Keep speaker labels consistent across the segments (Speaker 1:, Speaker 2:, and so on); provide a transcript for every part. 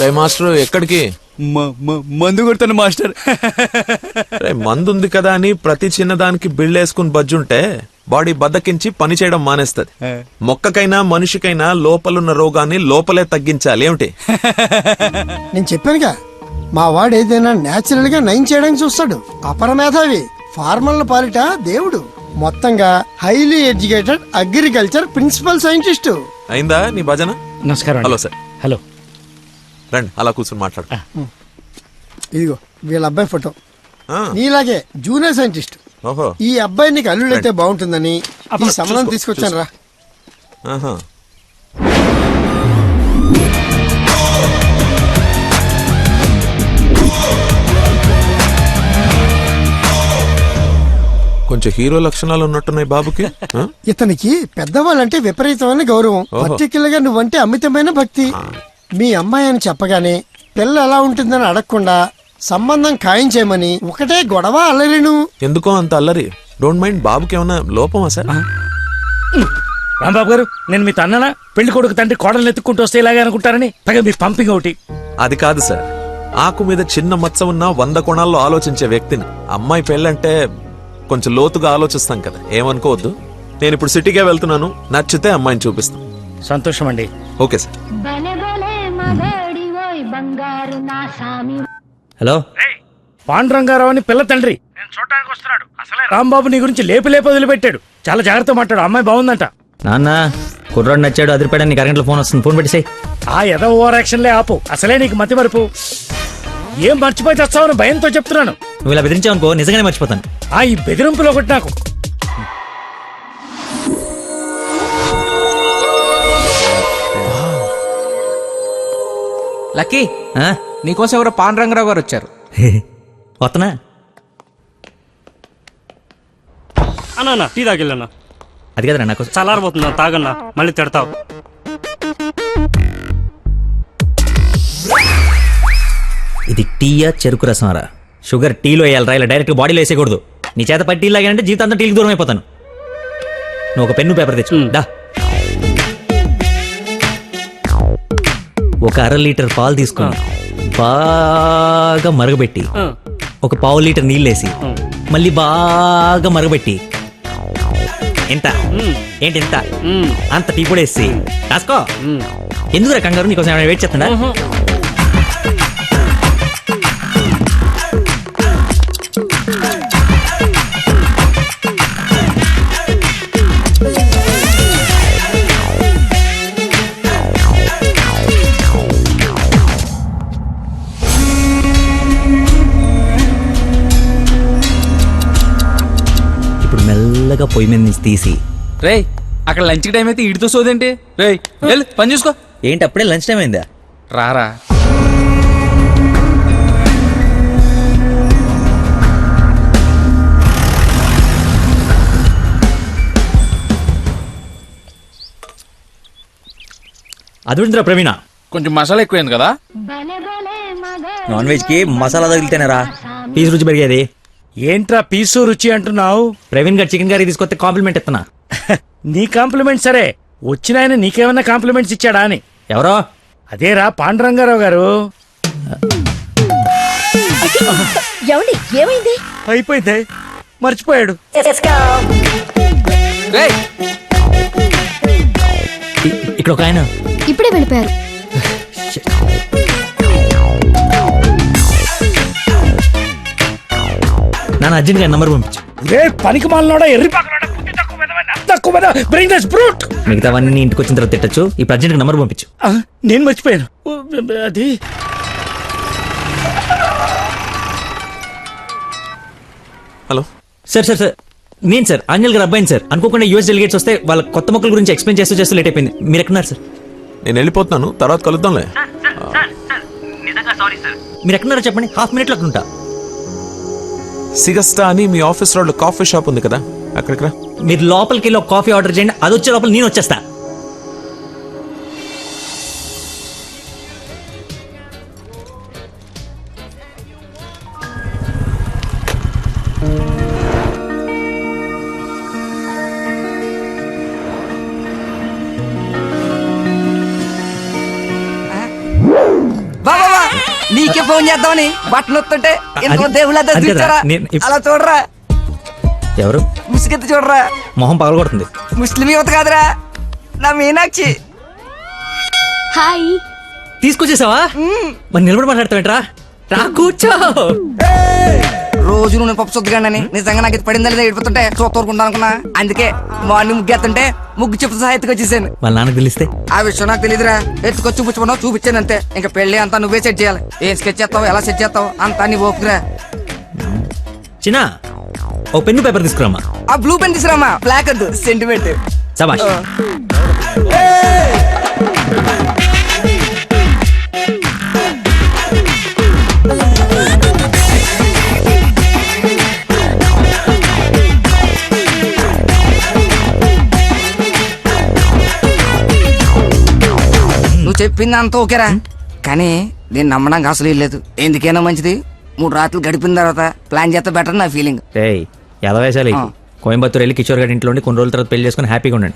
Speaker 1: Master ఎక్కడికి?
Speaker 2: మందు కొడతాను మాస్టర్.
Speaker 1: మందు ఉంది కదా అని ప్రతి చిన్నదానికి బిళ్ళేసుకుని బజ్జుంటే బాడీ బద్దకించి పని చేయడం మానేస్తది. మొక్కకైనా మనిషికైనా లోపలున్న రోగాన్ని లోపలే తగ్గించాలి. ఏమిటి?
Speaker 3: నేను చెప్పానుగా, మా వాడు ఏదైనా నేచురల్ గా నయం చేయడానికి చూస్తాడు. అపరమేధావి, ఫార్మల్ పాలిట దేవుడు. మొత్తంగా highly educated agriculture principal scientist.
Speaker 1: అయిందా నీ భజన?
Speaker 4: నమస్కారం.
Speaker 1: Hello sir.
Speaker 4: హలో,
Speaker 1: రండి అలా కూర్చొని మాట్లాడు.
Speaker 3: ఇదిగో వీళ్ళ అబ్బాయి ఫోటో.
Speaker 1: ఆ,
Speaker 3: నీలాగే జూనియర్ సైంటిస్ట్.
Speaker 1: ఓహో,
Speaker 3: ఈ అబ్బాయి నీకు అల్లుడైతే బాగుంటుందని ఈ సంబంధం తీసుకొచ్చాను రా.
Speaker 1: ఆహా. కొంచెం హీరో లక్షణాలు ఉన్నట్టున్నాయి బాబుకి. ఆ?
Speaker 3: ఇతనికి పెద్దవాళ్ళంటే విపరీతమైన గౌరవం.
Speaker 1: ఓహో.
Speaker 3: పర్టికులర్ గా నువ్వంటే అమితమైన భక్తి. మీ అమ్మాయి అని చెప్పగానే పిల్ల ఎలా ఉంటుందని అడగకుండా సంబంధం ఖాయం చేయమని ఒకటే గొడవ అల్లరిను.
Speaker 1: ఎందుకో అంత అల్లరి? Don't mind. బాబుకి ఏమైనా లోపమా సార్?
Speaker 4: రాంబాబు గారు, నేను మీ తన్ననా? పెళ్లి కొడుకు తండ్రి కోడలు ఎత్తుక్కుంటూ వస్తే ఇలాగే అనుకుంటారని పైగా మీ పంపింగ్ ఒకటి.
Speaker 1: అది కాదు సార్, ఆకు మీద చిన్న మచ్చ ఉన్న 100 కోణాల్లో ఆలోచించే వ్యక్తిని. అమ్మాయి పెళ్ళంటే కొంచెం లోతుగా ఆలోచిస్తాం కదా, ఏమనుకోవద్దు. నేను ఇప్పుడు సిటీకే వెళ్తున్నాను, నచ్చితే అమ్మాయిని చూపిస్తాను.
Speaker 4: సంతోషం అండి.
Speaker 1: Okay sir.
Speaker 5: హలో,
Speaker 4: పాండురంగారావు అని పిల్ల తండ్రి నేను చూడటానికి వస్తున్నాడు. అసలే రాంబాబు నీ గురించి లేపి వదిలిపెట్టాడు. చాలా జాగ్రత్త మాట్లాడు. అమ్మాయి బాగుందంట.
Speaker 5: నాన్న కుర్రాడు నచ్చాడు, అదిరిపాడని నీకు అరగంటలో ఫోన్ వస్తుంది. ఫోన్ పెట్టేసాయి.
Speaker 4: ఆ ఎద ఓవర్ యాక్షన్లే ఆపు. అసలే నీకు మతి మరుపు. ఏం మర్చిపోయి తెస్తావని భయంతో చెప్తున్నాను.
Speaker 5: నువ్వు ఇలా బెదిరించావనుకో నిజంగానే మర్చిపోతాను.
Speaker 4: ఈ బెదిరింపులో ఒకటి నాకు.
Speaker 2: లక్కీ,
Speaker 5: ఆ?
Speaker 2: నీకోసం ఎవరో పాండురంగరావు గారు వచ్చారు.
Speaker 5: వస్తున్నా.
Speaker 6: అన్నా టీ తాగిల్లన్నా.
Speaker 5: అది కదరా నాకు
Speaker 6: చల్లారబోతుందా, తాగన్నా, మళ్ళీ తిడతావు.
Speaker 5: ఇది టీయా చెరుకు రసంరా? షుగర్ టీలో వేయాలరా, ఇలా డైరెక్ట్ బాడీలో వేసేయకూడదు. నీ చేత పట్టి టీ లాగానంటే జీవితాంతం టీకి దూరం అయిపోతాను. నువ్వు ఒక పెన్ను పేపర్ తెచ్చు. దా. ఒక 1/2 లీటర్ పాలు తీసుకొని బాగా మరగబెట్టి ఒక 1/4 లీటర్ నీళ్ళేసి మళ్ళీ బాగా మరగబెట్టి ఎంత ఏంటి ఎంత అంత టీ కూడా వేసి రాసుకో. ఎందుకురా కంగారు? నీకోసం ఏమైనా వెయిట్ చేస్తున్నా? ఇప్పుడు మెల్లగా పొయ్యి మీద నుంచి తీసి.
Speaker 2: రే, అక్కడ లంచ్ టైం అయితే ఇడితో సోదేంటి? రే వెళ్ళు, పని చూసుకో.
Speaker 5: ఏంటి అప్పుడే లంచ్ టైం అయిందా?
Speaker 2: రారా.
Speaker 5: అదుందిరా ప్రవీణ,
Speaker 2: కొంచెం మసాలా ఎక్కువైంది కదా.
Speaker 5: నాన్ వెజ్ కి మసాలా తగిలితేనేరా పీసు రుచి పెరిగేది.
Speaker 4: ఏంట్రా పీసు రుచి అంటున్నావు?
Speaker 5: ప్రవీణ్ గారు చికెన్ కర్రీ తీసుకొస్తే కాంప్లిమెంట్ ఇస్తున్నా.
Speaker 4: నీ కాంప్లిమెంట్ సరే, వచ్చిన ఆయన నీకేమన్నా కాంప్లిమెంట్స్ ఇచ్చాడా అని.
Speaker 5: ఎవరో?
Speaker 4: అదేరా పాండురంగారావు గారు.
Speaker 7: ఏమైంది?
Speaker 4: అయిపోయింది, మర్చిపోయాడు.
Speaker 2: రేయ్,
Speaker 5: ఇక్కడ ఒక ఆయన.
Speaker 7: ఇప్పుడే వెళ్ళిపోయారు.
Speaker 5: నాన్న అర్జెంట్ గా నంబర్ పంపించు.
Speaker 4: పనికి మాలనోడా, ఎర్రి పక్కనోడా, బుద్ధి తక్కువ మెదవా, తక్కువ మెదవా, bring this brute.
Speaker 5: మిగతావన్నీ ఇంటికి వచ్చిన తర్వాత తిట్టచ్చు. ఇప్పుడు అర్జెంట్ గా నంబర్ పంపించు.
Speaker 4: నేను మర్చిపోయాను. అది
Speaker 1: హలో
Speaker 5: సార్. సార్ సార్ నేను సార్ ఆంజల్ గారు అబ్బాయిని సార్. అనుకోకుండా యూఎస్ డెలిగేట్స్ వస్తే వాళ్ళ కొత్త మొక్కల గురించి ఎక్స్ప్లెయిన్ చేస్తూ లేట్ అయిపోయింది. మీరు ఎక్కడున్నారు సార్?
Speaker 1: నేను వెళ్ళిపోతున్నాను, తర్వాత కలుద్దాంలే.
Speaker 5: మీరు ఎక్కడున్నారో చెప్పండి, హాఫ్ మినిట్లో అక్కడ ఉంటా.
Speaker 1: సిగస్టా అని మీ ఆఫీస్ రోడ్ కాఫీ షాప్ ఉంది కదా, అక్కడికి రా.
Speaker 5: మీరు లోపలికి వెళ్ళి ఒక కాఫీ ఆర్డర్ చేయండి, అది వచ్చే లోపల నేను వచ్చేస్తా.
Speaker 2: వా
Speaker 7: నీకే ఫోన్ చేద్దామని బట్టలు వస్తుంటే ఎంతో
Speaker 5: అది-
Speaker 7: దేవుళ్ళ
Speaker 5: అది కదా,
Speaker 7: చూచారా
Speaker 5: నేను ఇప్-
Speaker 7: అలా చూడరా
Speaker 5: ఎవరు
Speaker 7: ముసుగెత్తి చూడరా
Speaker 5: మొహం పగలగొడుతుంది.
Speaker 7: ముస్లిం యువత కాదురా నా మీనాక్షి.
Speaker 8: హాయ్.
Speaker 5: తీసుకొచ్చేసావా? మరి నిలబడి మాట్లాడతావేంట్రా? రా కూర్చో.
Speaker 7: రోజు నువ్వు పప్పు సొద్దుగానని నిజంగా నాకు ఇది పడిందా లేదా ఏడిపోతుంటే చూస్తూరుకుంటా అనుకున్నా. అందుకే మార్నింగ్ ముగ్గు ఎత్తుంటే ముగ్గు చెప్తూ సహా ఎత్తుకొచ్చేసాను.
Speaker 5: వాళ్ళ నాన్నకు తెలిస్తే
Speaker 7: ఆ విషయం నాకు తెలియదురా. ఎత్తుకొచ్చి చూపించమన్నావు చూపించాను అంతే. ఇంకా పెళ్లి అంతా నువ్వే సెట్ చేయాలి. ఏం స్కెచ్ చేస్తావు ఎలా సెట్ చేస్తావు అంతా నీ ఓపుకురా.
Speaker 5: చిన్న ఓ పెన్ను పేపర్ తీసుకురామా.
Speaker 7: ఆ బ్లూ పెన్ తీసురామా, బ్లాక్ వద్దు, సెంటిమెంట్.
Speaker 5: సబాష్.
Speaker 7: నువ్వు చెప్పింది అంత ఓకేరా, కానీ నేను నమ్మడానికి అసలు లేదు. ఎందుకైనా మంచిది 3 రాత్రులు గడిపిన తర్వాత ప్లాన్ చేస్తే బెటర్ నా ఫీలింగ్.
Speaker 5: ఏయ్ ఎదవేశాలి.
Speaker 7: ఆ.
Speaker 5: కోయంబత్తూర్ వెళ్ళి కిషోర్ గారి ఇంట్లో ఉండి కొన్ని రోజుల తర్వాత పెళ్లి చేసుకుని హ్యాపీగా ఉండండి.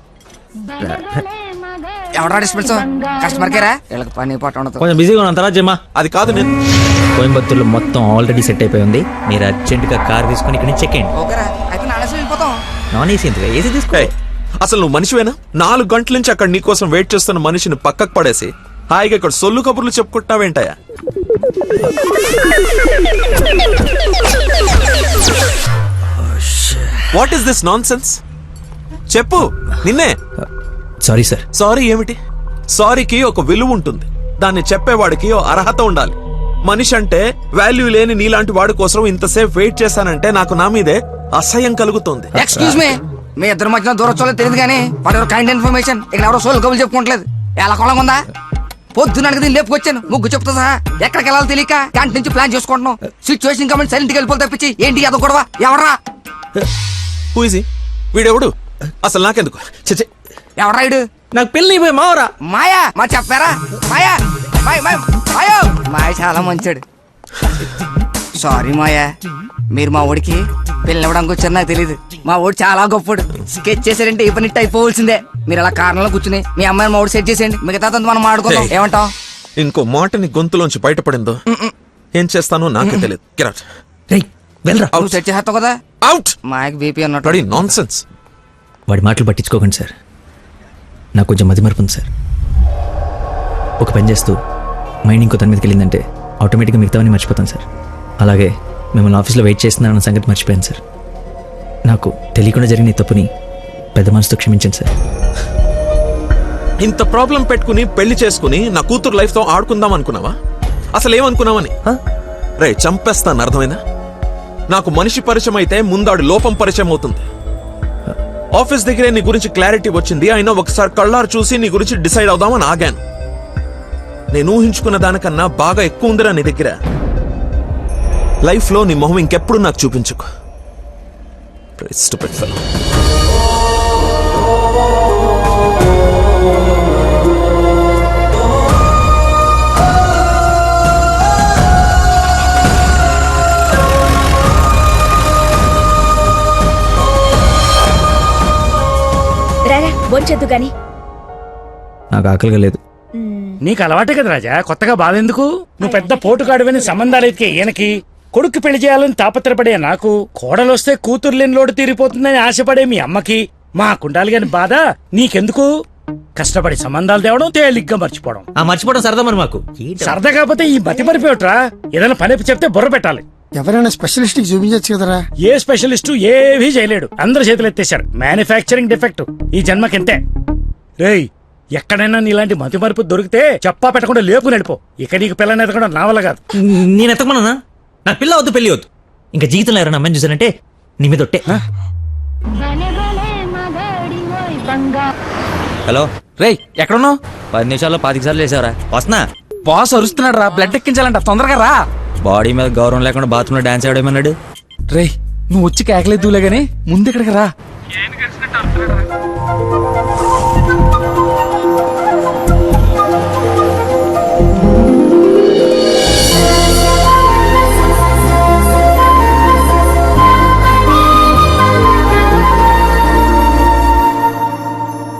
Speaker 7: ఎవడా డిస్పెన్స్ కస్టమర్ కేరా వీళ్ళకి పని పాట ఉండదు.
Speaker 5: కొంచెం బిజీగా ఉన్నాను, తర్వాత జమ్మా.
Speaker 1: అది కాదు నేను
Speaker 5: కోయంబత్తూర్లో మొత్తం ఆల్రెడీ సెట్ అయిపోయి ఉంది. మీరు అర్జెంటుగా కార్ తీసుకుని ఇక్కడ నుంచి చెక్ చేయండి.
Speaker 7: ఓకేరా, అయితే నానేసి వెళ్ళిపోతాం.
Speaker 5: నాన్ ఏసీ ఎందుకు, ఏసీ తీసుకో.
Speaker 1: ఏయ్, అసలు నువ్వు మనిషివేనా? 4 గంటల నుంచి అక్కడ నీకోసం వెయిట్ చేస్తున్న మనిషిని పక్కకు పడేసి హాయిగా ఇక్కడ సొల్లు కబుర్లు చెప్పుకుంటున్నావేంటయా? What is this nonsense? చెప్పు, నిన్నే.
Speaker 5: Sorry sir.
Speaker 1: సారీ ఏమిటి? సారీకి ఒక విలువ ఉంటుంది. దాన్ని చెప్పేవాడికి ఓ అర్హత ఉండాలి. మనిషి అంటే వాల్యూ లేని నీలాంటి వాడి కోసం ఇంతసేపు వెయిట్ చేశానంటే నాకు నా మీదే అసహ్యం కలుగుతుంది.
Speaker 7: ఎక్స్క్యూజ్ మీ, మీ ఇద్దరు మధ్యన దూరం చూడలేదు తెలియదు కానీ వాడు ఎవరు కైండ్ ఇన్ఫర్మేషన్ ఇక్కడ ఎవరో సోల్ కబులు చెప్పుకోవట్లేదు. ఎలా కొలం ఉందా? పొద్దున అడిగి లేపుకొచ్చాను ముగ్గు చెప్తా సహా. ఎక్కడికి వెళ్ళాలో తెలియక క్యాంటీన్ నుంచి ప్లాన్ చేసుకుంటున్నాం. సిచ్యువేషన్ కమెంట్ సైలెంట్ గా వెళ్ళిపోతే తప్పించి ఏంటి అదో గొడవ? ఎవరా
Speaker 1: హూజీ వీడెవడు? అసలు నాకెందుకు? చచ్చే,
Speaker 7: ఎవరా ఇడు?
Speaker 5: నాకు పెళ్లి అయిపోయి మావరా.
Speaker 7: మాయా మా చెప్పారా? మాయా మాయో మాయ చాలా మంచాడు. సారీ మాయా, మీరు మా ఓడికి పెళ్ళి ఇవ్వడానికి వచ్చారు నాకు తెలియదు. మా ఓడి చాలా గొప్పడు. స్కెచ్ చేశారంటే ఈ పని అయిపోవలసిందే. మీరు అలా కారణంలో కూర్చుని మీ అమ్మాయిని మా ఓడి సెట్ చేసేయండి. మిగతా మనం ఆడుకుందాం. ఏమంటావ్?
Speaker 1: ఇంకో మాటని గొంతులోంచి బయటపడిందో ఏం చేస్తానో నాకే తెలియదు. Get out.
Speaker 5: రేయ్ వెళ్ళరా.
Speaker 7: నువ్వు సెట్ చేస్తావు కదా.
Speaker 1: Out.
Speaker 7: మాయకి బీపీ అన్నట్టు.
Speaker 1: Bloody nonsense.
Speaker 5: వాడి మాటలు పట్టించుకోకండి సార్. నాకు కొంచెం మతిమరుపు ఉంది సార్. ఒక పని చేస్తూ మైండ్ ఇంకో దాని మీదకి వెళ్ళిందంటే ఆటోమేటిక్గా మిగతావన్నీ మర్చిపోతాను సార్. అలాగే మిమ్మల్ని ఆఫీస్లో వెయిట్ చేస్తున్నానన్న సంగతి మర్చిపోయాను సార్. నాకు తెలియకుండా జరిగిన ఈ తప్పుని పెద్ద మనసుతో క్షమించండి సార్.
Speaker 1: ఇంత ప్రాబ్లం పెట్టుకుని పెళ్లి చేసుకుని నా కూతురు లైఫ్ తో ఆడుకుందాం అనుకున్నావా? అసలు ఏమనుకున్నావని? రే చంపేస్తాను, అర్థమైందా? నాకు మనిషి పరిచయం అయితే ముందాడు లోపం పరిచయం అవుతుంది. ఆఫీస్ దగ్గరే నీ గురించి క్లారిటీ వచ్చింది. అయినా ఒకసారి కళ్ళారు చూసి నీ గురించి డిసైడ్ అవుదామని ఆగాను. నేను ఊహించుకున్న దానికన్నా బాగా ఎక్కువ ఉందిరా నీ దగ్గర. లైఫ్ లో నీ మొహం ఇంకెప్పుడు నాకు చూపించుకో. Stupid fellow.
Speaker 8: రారా బొంచొద్దు గాని.
Speaker 5: నాకు ఆకలిగా లేదు.
Speaker 4: నీకు అలవాటే కదా రాజా, కొత్తగా బాధెందుకు? నువ్వు పెద్ద పోటుగాడువని సంబంధాలు ఎత్తికే ఈయనకి, కొడుకు పెళ్లి చేయాలని తాపత్రపడే నాకు, కోడలొస్తే కూతురు లేని లోటు తీరిపోతుందని ఆశపడే మీ అమ్మకి, మా కుండాలి గాని బాధ నీకెందుకు? కష్టపడి సంబంధాలు తేవడం, తేలిగ్గా మర్చిపోవడం.
Speaker 5: ఆ మర్చిపోవడం సరదా మరి మాకు.
Speaker 4: సరదా కాకపోతే ఈ బతి మరిపోయట్రా. ఏదైనా పని చెప్తే బుర్ర పెట్టాలి.
Speaker 3: ఎవరైనా స్పెషలిస్ట్ కి చూపించచ్చు కదరా.
Speaker 4: ఏ స్పెషలిస్టు ఏవీ చేయలేడు. అందరు చేతులు ఎత్తేశారు. మ్యానుఫ్యాక్చరింగ్ డిఫెక్ట్ ఈ జన్మకింతే. రేయ్, ఎక్కడైనా నీలాంటి మతి మరుపు దొరికితే చెప్పా పెట్టకుండా లేపు నడిపో. ఇక నీకు పిల్లని ఎదగడం నా వల్ల కాదు.
Speaker 5: నేను ఎత్తకమన్నా? నాకు పిల్ల వద్దు, పెళ్లి వద్దు. ఇంకా జీవితంలో ఎవరైనా అమ్మాయిని చూసానంటే నీ మీద ఒట్టే. హలో
Speaker 2: రేయ్ ఎక్కడున్నావు?
Speaker 5: 10 నిమిషాల్లో 25 సార్లు చేసావరా. వస్తున్నా.
Speaker 2: బాస్ అరుస్తున్నాడు రా, బ్లడ్ ఎక్కించాలంట, తొందరగా రా.
Speaker 5: బాడీ మీద గౌరవం లేకుండా బాత్రూంలో డాన్స్ ఆడేమన్నాడు.
Speaker 2: రేయ్ నువ్వు వచ్చి కేకలేదులే గానీ ముందు ఇక్కడికి రా.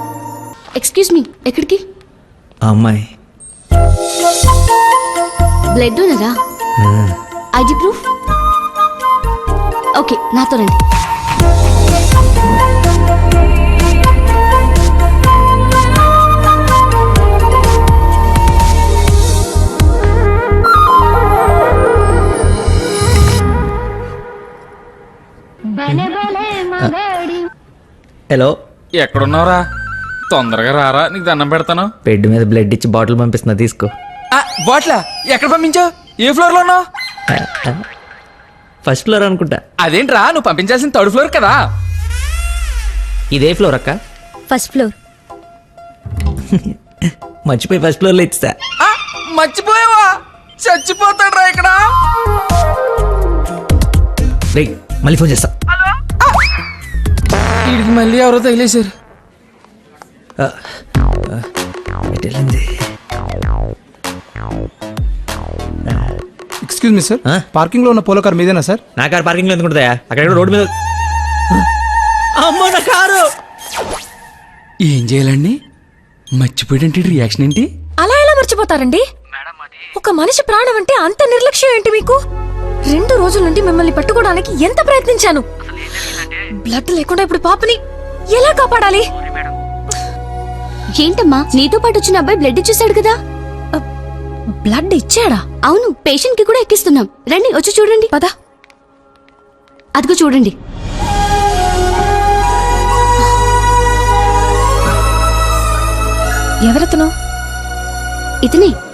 Speaker 8: ఎక్స్క్యూజ్ మీ, ఎక్కడికి?
Speaker 5: ఆ అమ్మాయి
Speaker 8: బ్లడ్ డోనరా? ID proof? ఓకే, నాతో రండి.
Speaker 5: హలో,
Speaker 2: ఎక్కడున్నావురా? తొందరగా రారా, నీకు దండం పెడతాను.
Speaker 5: బెడ్ మీద బ్లడ్ ఇచ్చి బాటిల్ పంపిస్తున్నా, తీసుకో.
Speaker 2: బాట్లా ఎక్కడ పంపించావు? ఏ ఫ్లోర్ లో ఉన్నావు?
Speaker 5: ఫస్ట్ ఫ్లోర్ అనుకుంటా.
Speaker 2: అదేంట్రా, నువ్వు పంపించాల్సిన థర్డ్ ఫ్లోర్ కదా.
Speaker 5: ఇదే ఫ్లోర్ అక్క?
Speaker 8: First floor.
Speaker 5: మర్చిపోయి ఫస్ట్ ఫ్లోర్ లో ఇచ్చా.
Speaker 2: ఆ, మర్చిపోయావా? చచ్చిపోతాడ్రా ఇక్కడ.
Speaker 5: రేయ్, మళ్ళీ ఫోన్ చేస్తా.
Speaker 2: వీడికి మళ్ళీ ఎవరో తగిలేశారు.
Speaker 5: ఎటు వెళ్ళింది?
Speaker 9: ఎక్స్క్యూజ్ మీ సార్,
Speaker 5: ఆ?
Speaker 9: పార్కింగ్ లో ఉన్న పోలో కార్ మీదేనా సార్?
Speaker 5: నా కారు పార్కింగ్ లో ఎందుకుంటుందా? అక్కడ రోడ్డు మీద. అమ్మో, నా కారు!
Speaker 2: ఏం చేయాలండి? మర్చిపోయాడంటే రియాక్షన్ ఏంటి?
Speaker 10: అలా ఎలా మర్చిపోతారండి? ఒక మనిషి ప్రాణం అంటే అంత నిర్లక్ష్యం ఏంటి మీకు? 2 రోజుల నుండి మిమ్మల్ని పట్టుకోవడానికి ఎంత ప్రయత్నించాను. బ్లడ్ లేకుండా ఇప్పుడు పాపని ఎలా కాపాడాలి?
Speaker 8: ఏంటమ్మా, నీతో పాటు వచ్చిన అబ్బాయి బ్లడ్ ఇచ్చేసాడు కదా?
Speaker 10: బ్లడ్ ఇచ్చాడా?
Speaker 8: అవును, పేషెంట్ కి కూడా ఎక్కిస్తున్నాం. రండి, వచ్చి చూడండి.
Speaker 10: పద.
Speaker 8: అదిగో చూడండి.
Speaker 10: ఎవరతను?
Speaker 8: ఇతనే